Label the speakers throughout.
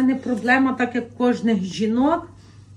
Speaker 1: мене проблема, так як кожних жінок.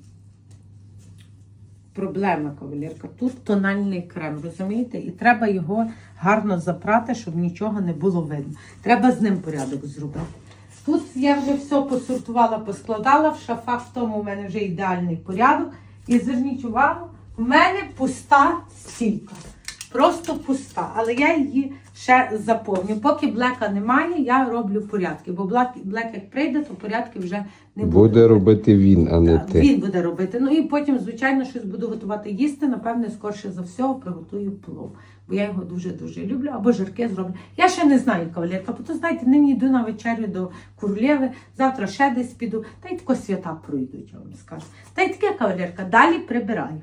Speaker 1: Проблема, кавалерка. Тут тональний крем, розумієте? І треба його гарно запрати, щоб нічого не було видно. Треба з ним порядок зробити. Тут я вже все посортувала, поскладала, в шафах в тому в мене вже ідеальний порядок. І зверніть увагу, в мене пуста стійка. Просто пуста. Але я її ще заповню. Поки блека немає, я роблю порядки. Бо блек як прийде, то порядки вже не буде.
Speaker 2: Буде робити він, а не ти.
Speaker 1: Він буде робити. Ну і потім, звичайно, щось буду готувати їсти. Напевне, скорше за все, приготую плов. Бо я його дуже-дуже люблю. Або жирки зроблю. Я ще не знаю, кавалерка. Бо то, знаєте, нині йду на вечерю до Королєви. Завтра ще десь піду. Та й тако свята пройдуть, я вам скажу. Та й таке, кавалерка. Далі прибираю.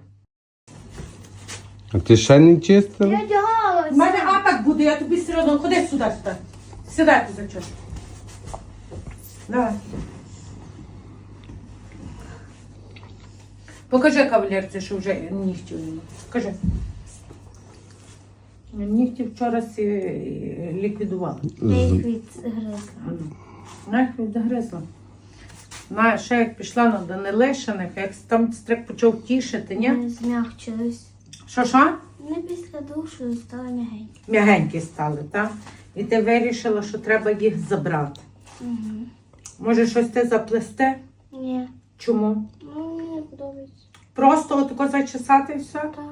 Speaker 2: А ти ще не чистила?
Speaker 3: Я одягалася.
Speaker 1: У мене апак буде, я тобі все одно. Ходи сюди. Сідай ти за чашку. Давай. Покажи кавалерці, що вже нігтів немає. Покажи. Нігті вчора ліквідували.
Speaker 3: Я їх відгризла.
Speaker 1: Я їх відгризла. Ще як пішла на Данилишиних, як там стрик почав тішити, ні?
Speaker 3: Вони змягчились.
Speaker 1: Що?
Speaker 3: Вони після душу стали м'ягенькі.
Speaker 1: М'ягенькі стали, так? І ти вирішила, що треба їх забрати.
Speaker 3: Угу.
Speaker 1: Може, щось ти заплести?
Speaker 3: Ні.
Speaker 1: Чому?
Speaker 3: Ну, мені подобається.
Speaker 1: Просто отако зачесати і все?
Speaker 3: Так.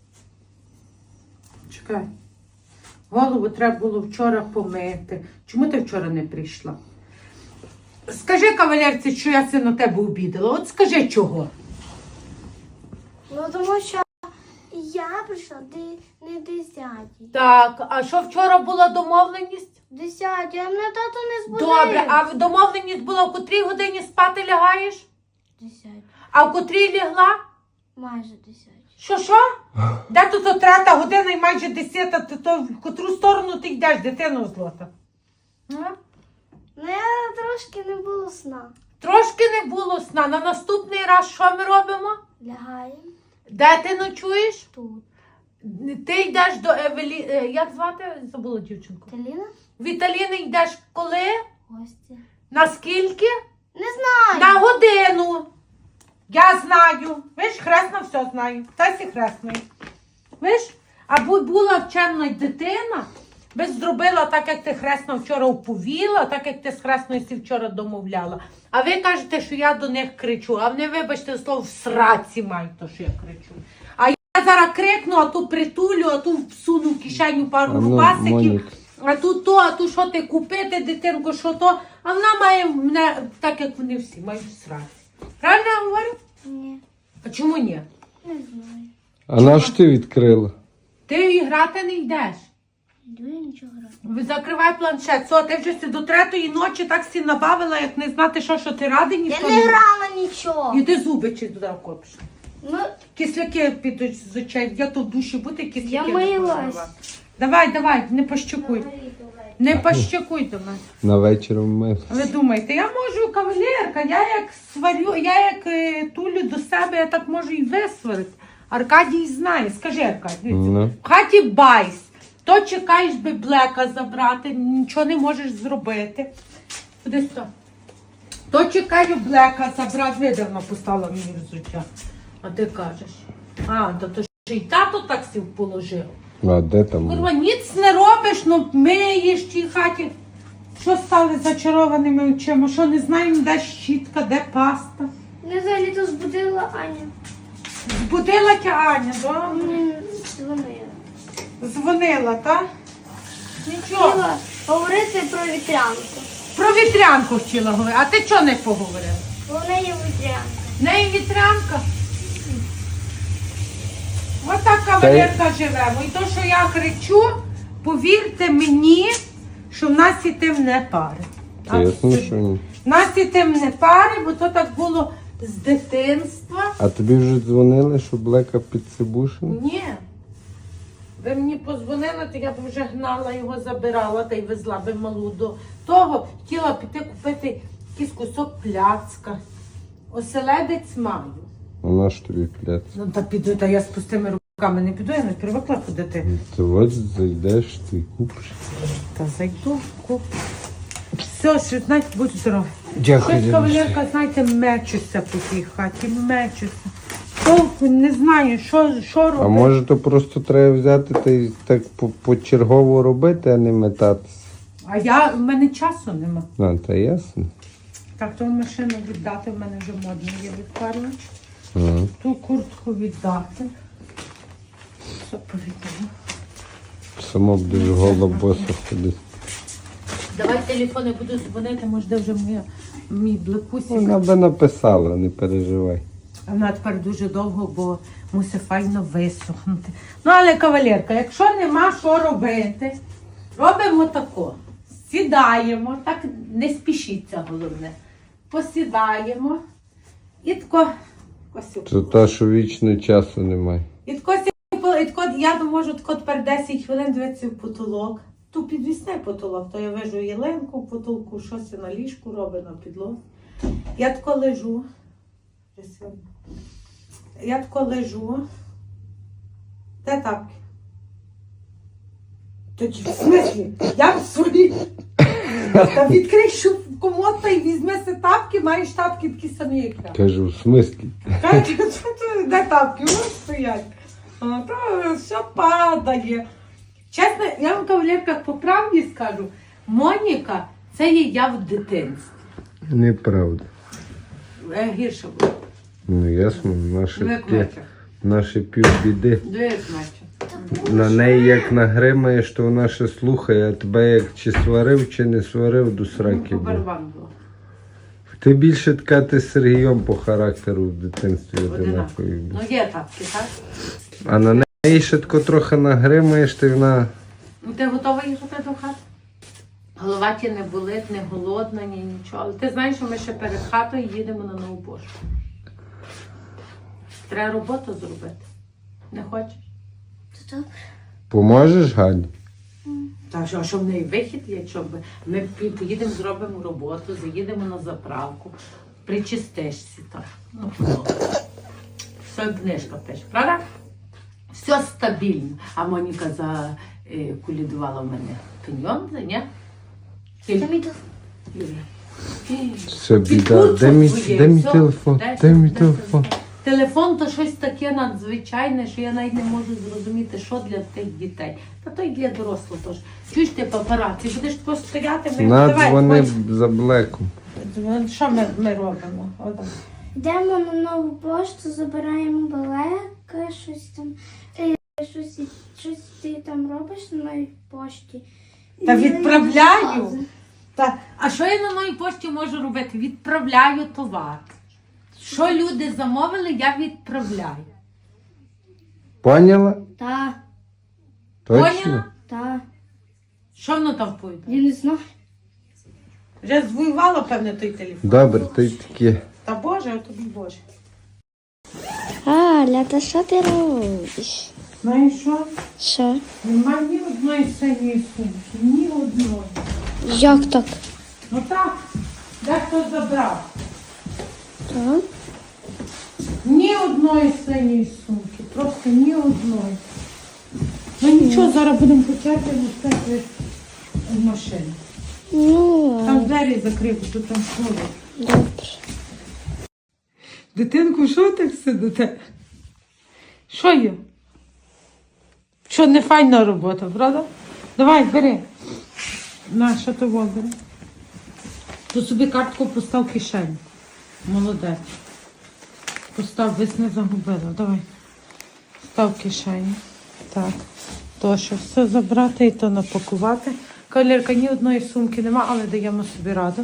Speaker 1: Чекай. Голову треба було вчора помити. Чому ти вчора не прийшла? Скажи кавалерці, що я на тебе обідала. От скажи чого.
Speaker 3: Ну, тому що я прийшла не 10-й.
Speaker 1: Так, а що вчора була домовленість?
Speaker 3: 10-й, а мене тато не збудив.
Speaker 1: Добре, а домовленість була, в котрій годині спати лягаєш?
Speaker 3: 10-й.
Speaker 1: А в котрій лягла?
Speaker 3: Майже 10-й.
Speaker 1: Що? Де тут 3 година і майже 10-та, то в котру сторону ти йдеш, дитино злота?
Speaker 3: Ну, я трошки не було сна.
Speaker 1: Трошки не було сна. На наступний раз що ми робимо?
Speaker 3: Лягаємо
Speaker 1: Де ти ночуєш?
Speaker 3: тут.
Speaker 1: Ти йдеш до Евелі... Як звати? Забула дівчинку.
Speaker 3: Таліна?
Speaker 1: В Італіни йдеш коли?
Speaker 3: Гості.
Speaker 1: На скільки?
Speaker 3: Не знаю.
Speaker 1: На годину. Я знаю. Виш, хресна все знаю. Тасі хресною. Виш? Або була вчена дитина, би зробила так, як ти хресна вчора оповіла, так, як ти з хресною сі вчора домовляла. А ви кажете, що я до них кричу. А вони, вибачте, слово в сраці мають то, що я кричу. А я зараз крикну, а ту притулю, а ту всуну в кишеню пару рубасиків.
Speaker 2: Монік.
Speaker 1: А тут то, а тут що ти купити, дитинку, що то. А вона має мене, так як вони всі, мають в сраці. Правильно я говорю?
Speaker 3: Ні.
Speaker 1: А чому ні?
Speaker 3: Не знаю.
Speaker 2: А на що ти відкрила?
Speaker 1: Ти і грати не йдеш.
Speaker 3: Йду я нічого грати.
Speaker 1: Закривай планшет. Со, ти вже до 3-ї ночі так всі набавила, як не знати, що ти радий,
Speaker 3: Я
Speaker 1: ніхто
Speaker 3: не
Speaker 1: не
Speaker 3: грала нічого.
Speaker 1: І ти зуби чи туди копиш.
Speaker 3: Ну,
Speaker 1: Кисляки підуть з очей. Я то в душі бути, кисляки.
Speaker 3: Я
Speaker 1: не
Speaker 3: милась.
Speaker 1: позривати. Давай, не пощекуй. Не пощекуй до мене.
Speaker 2: На вечір вмив.
Speaker 1: Ви думаєте, я можу, кавалерка, я як сварю, я як тулю до себе, я так можу і висварити. Аркадій знає, скажи, Аркадій,
Speaker 2: Ну.
Speaker 1: в хаті байс, то чекаєш би блека забрати, нічого не можеш зробити. Куди сюди? То чекаю блека забрати, видавно постала мені взуття. А ти кажеш, то ще й тато так сів положив.
Speaker 2: А де там?
Speaker 1: Курва, ніц не робиш, ну миєш в тій хаті. Що стали зачарованими очима? Що не знаємо, де щітка, де паста?
Speaker 3: не взагалі то збудила Аня.
Speaker 1: Збудила тя Аня, да?
Speaker 3: Мені дзвонила.
Speaker 1: Дзвонила, так? Нічого.
Speaker 3: Хотіла говорити про вітрянку.
Speaker 1: Про вітрянку хотіла говорити. А ти чого не поговорила?
Speaker 3: Бо в неї вітрянка.
Speaker 1: В неї вітрянка? Ось так кавалерка живемо. І то, що я кричу, повірте мені, що в нас і тим не пари.
Speaker 2: Ясно, що ні.
Speaker 1: В нас і тим не пари, бо то так було з дитинства.
Speaker 2: А тобі вже дзвонили, що Блека підсибушив?
Speaker 1: Ні. Ви мені подзвонили, то я б вже гнала його, забирала та й везла би малу до того. Хотіла піти купити якийсь кусок пляцка. Оселедець маю.
Speaker 2: Вона ж тобі пляц.
Speaker 1: Ну та піду, та я з пустими руками не піду, я не привикла ходити.
Speaker 2: То от зайдеш, ти купиш.
Speaker 1: Та зайду, куплю. Все, що, знаєте, будь здорові.
Speaker 2: Дякую,
Speaker 1: Щось, кавалерка, знаєте, мечуся по тій хаті, мечуся. Толку не знаю, що робити.
Speaker 2: А може то просто треба взяти та й так почергово робити, а не метатися.
Speaker 1: В мене часу нема.
Speaker 2: Та ясно.
Speaker 1: Так, ту машину віддати, в мене вже модно є відпарювач.
Speaker 2: Ага.
Speaker 1: Ту куртку віддати. Все повідомо.
Speaker 2: Само будеш голо босо ходити.
Speaker 1: Давай телефони буду дзвонити, може де вже мій блекусик.
Speaker 2: Вона би написала, не переживай.
Speaker 1: А вона тепер дуже довго, бо мусить файно висохнути. Ну, але, кавалерка, якщо нема що робити, робимо тако. Сідаємо, так не спішіться, головне. Посідаємо і тако.
Speaker 2: Це те, що вічно часу немає.
Speaker 1: Я можу тако тепер 10 хвилин дивитися в потолок. Тут підвісний потолок, то я вижу ялинку в потолку, щось на ліжку робить, на підлозі. Я тако лежу. Де тапки? Тоді, в смислі? Я в своїй. Та відкрий комод та й візьми си тапки, маєш тапки такі самі, як я.
Speaker 2: Кажу, в смислі?
Speaker 1: Кажуть, де тапки? Вони стоять. То все падає. Чесно, я вам, кавалерка, по правді скажу, Моніка, це є я в дитинстві.
Speaker 2: Неправда.
Speaker 1: Гірше було.
Speaker 2: Ну ясно, наше півбіди.
Speaker 1: Дивись, Мачо.
Speaker 2: На неї як нагримаєш, то вона ще слухає, а тебе як чи сварив, чи не сварив, до сраки був.
Speaker 1: Барабан було.
Speaker 2: Ти більше така ти з Сергієм по характеру в дитинстві одинакові.
Speaker 1: Ну є тапки, так?
Speaker 2: А на неї ще тако трохи нагримаєш, ти вона...
Speaker 1: Ну ти готова їхати до хати? Голова ті не болить, не голодна, ні нічого. Але ти знаєш, що ми ще перед хатою їдемо на нову пошту. Треба роботу зробити. Не хочеш?
Speaker 2: Поможеш, Гані?
Speaker 1: Так, що в неї вихід є, щоб ми поїдемо, зробимо роботу, заїдемо на заправку, причистишся так. Ну, все книжка пише, правда? Все стабільно. А Моніка закулідувала в мене пеньйонзи, ні?
Speaker 2: Все, біда. Де мій телефон? Де мій телефон?
Speaker 1: Телефон то щось таке надзвичайне, що я навіть не можу зрозуміти, що для тих дітей. Та то й для дорослих теж. Чуєш ти папараці, будеш просто стояти,
Speaker 2: Надзвони за блеком.
Speaker 1: Що ми робимо? Отак.
Speaker 3: Йдемо на нову пошту, забираємо балеки, щось там, щось ти там робиш на новій пошті.
Speaker 1: Та відправляю. А що я на новій пошті можу робити? Відправляю товар. Що люди замовили, я відправляю.
Speaker 2: Поняла?
Speaker 3: Так,
Speaker 2: Точно?
Speaker 1: Поняла?
Speaker 3: так.
Speaker 1: Що воно там пойде?
Speaker 3: Я не знаю.
Speaker 1: Вже звоювала, певне, той телефон.
Speaker 2: Добре, то й таке.
Speaker 1: Та Боже, а тобі Боже.
Speaker 3: Аля, та що ти робиш?
Speaker 1: Знаєш що?
Speaker 3: Що?
Speaker 1: Нема ні одної синьої сумки, ні одної.
Speaker 3: Як так?
Speaker 1: Ну так, дехто забрав.
Speaker 3: Так?
Speaker 1: Ні одної синьої сумки, просто ні одної. Ну нічого, зараз будемо по черзі носити в машину.
Speaker 3: Ну,
Speaker 1: Там двері закрив, що там слово.
Speaker 3: добре.
Speaker 1: Дитинку, що так сидите? Що є? Що, не файна робота, правда? Давай, бери. На, що ти бери? Тут собі картку постав в кишеню. Молодець. Постав, весь не загубила. Давай. Став в кишені. Так. То, що все забрати і то напакувати. Кавалерка, ні одної сумки нема, але даємо собі раду.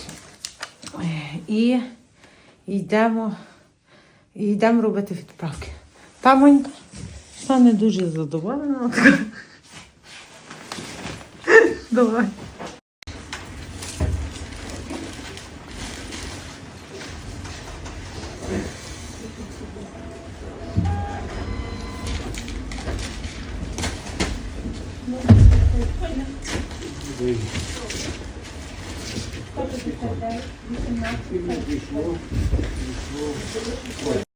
Speaker 1: І йдемо робити відправки. Та Монька, що не дуже задоволена. Давай.